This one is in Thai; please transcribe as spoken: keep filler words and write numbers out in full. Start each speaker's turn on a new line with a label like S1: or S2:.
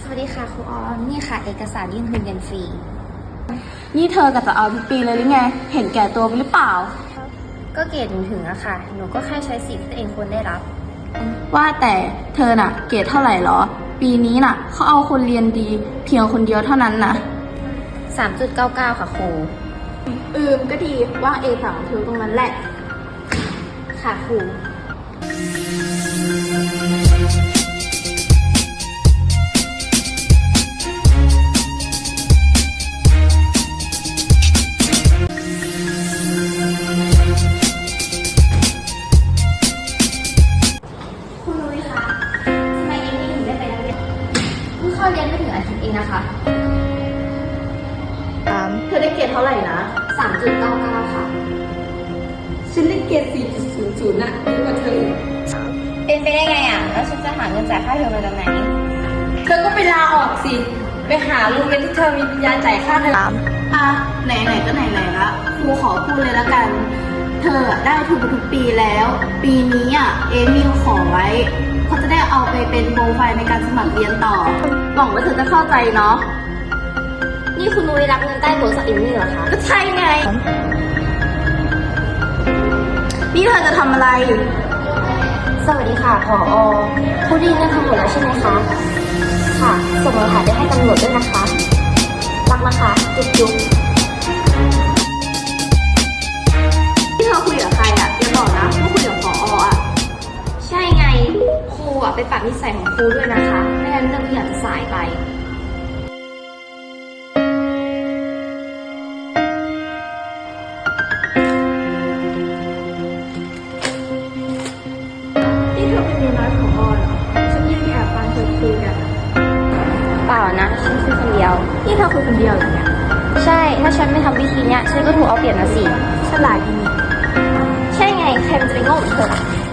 S1: วัสดีค่ะครูออมนี่ค่ะเอกสารยื่นทุนเรียนฟรี
S2: นี่เธอก็จะเอาทุกปีเลยหรือไงเห็นแก่ตัวไปหรือเปล่า
S1: ก็เกรดหนูถึงอะค่ะหนูก็แค่ใช้สิทธิ์ที่ตัวเองควรได้รับ
S2: ว่าแต่เธอน่ะเกรดเท่าไหร่หรอปีนี้น่ะเขาเอาคนเรียนดีเพียงคนเดียวเท่านั้นนะ
S1: สามจุดเก้าเก้า ค่ะครู
S2: อืมก็ดีว่างเอฝั่งเธอตรงนั้นแหละ
S1: ค่ะครูคุณนุ้ยคะทำไมเอมมี่ถึงได้ไปนักเรียนเพิ่งเข้าเรียนไม่ถึงอาทิตย์เองนะคะ
S2: เธอได้เกรดเท่าไหร่นะ
S1: สามจุดเก้าเก้า ค่ะ
S2: ฉันได้เกรด สี่จุดศูนย์ศูนย์ น่ะเยอะกว่าเธอ
S1: เป็นไปได้ไงอ่ะแล้วฉันจะหาเงินจ่ายค่าเทอมมาจากไหน
S2: เธอก็ไปลาออกสิไปหาโรงเรียนที่เธอมีปัญญาจ่ายค่าเทอมอ่ะไหนๆก็ไหนๆละครูขอพูดเลยละกัน เธอได้ทุนทุกปีแล้ว ปีนี้อ่ะเอมิลขอไว้เขาจะได้เอาไปเป็นโปรไฟล์ในการสมัครเรียนต่อหวังว่าเธอจะเข้าใจเนาะ
S1: นี่คุณนุ้ยรับเงินใต้โต๊ะจากเอมมี่เหรอคะ
S2: ก็ใช่ไงนี่เธอจะทำอะไร
S1: สวัสดีค่ะผอผู้ดีเรื่องทั้งหมดแล้วใช่ไหมคะค่ะส่งหลักฐานไปให้ตำรวจด้วยนะคะรักนะคะจุ๊บจุ๊บ
S2: ที่เธอคุยกับใครอ่ะอย่าบอกนะว่าคุยกับผออ่ะ
S1: ใช่ไงครูอ่ะไปปรับนิสัยของครูด้วยนะคะไม่งั้นเรื่องทุกอย่างจะสายไป
S2: นี่เธอเป็นเมียน้อยของอเหรอฉันยังแอบฟังเธอคุยกัน
S1: เปล่านะฉันคุยคนเดียว
S2: นี่เธอคุยคนเดียวเหรอเนี่ย
S1: ใช่ถ้าฉันไม่ทำวิธีเนี้ยฉันก็ถูกเอาเปรียบนะสิ
S2: ฉลาดดี
S1: ใช่ไงใครมันจะไปโง่เหมือนเธอ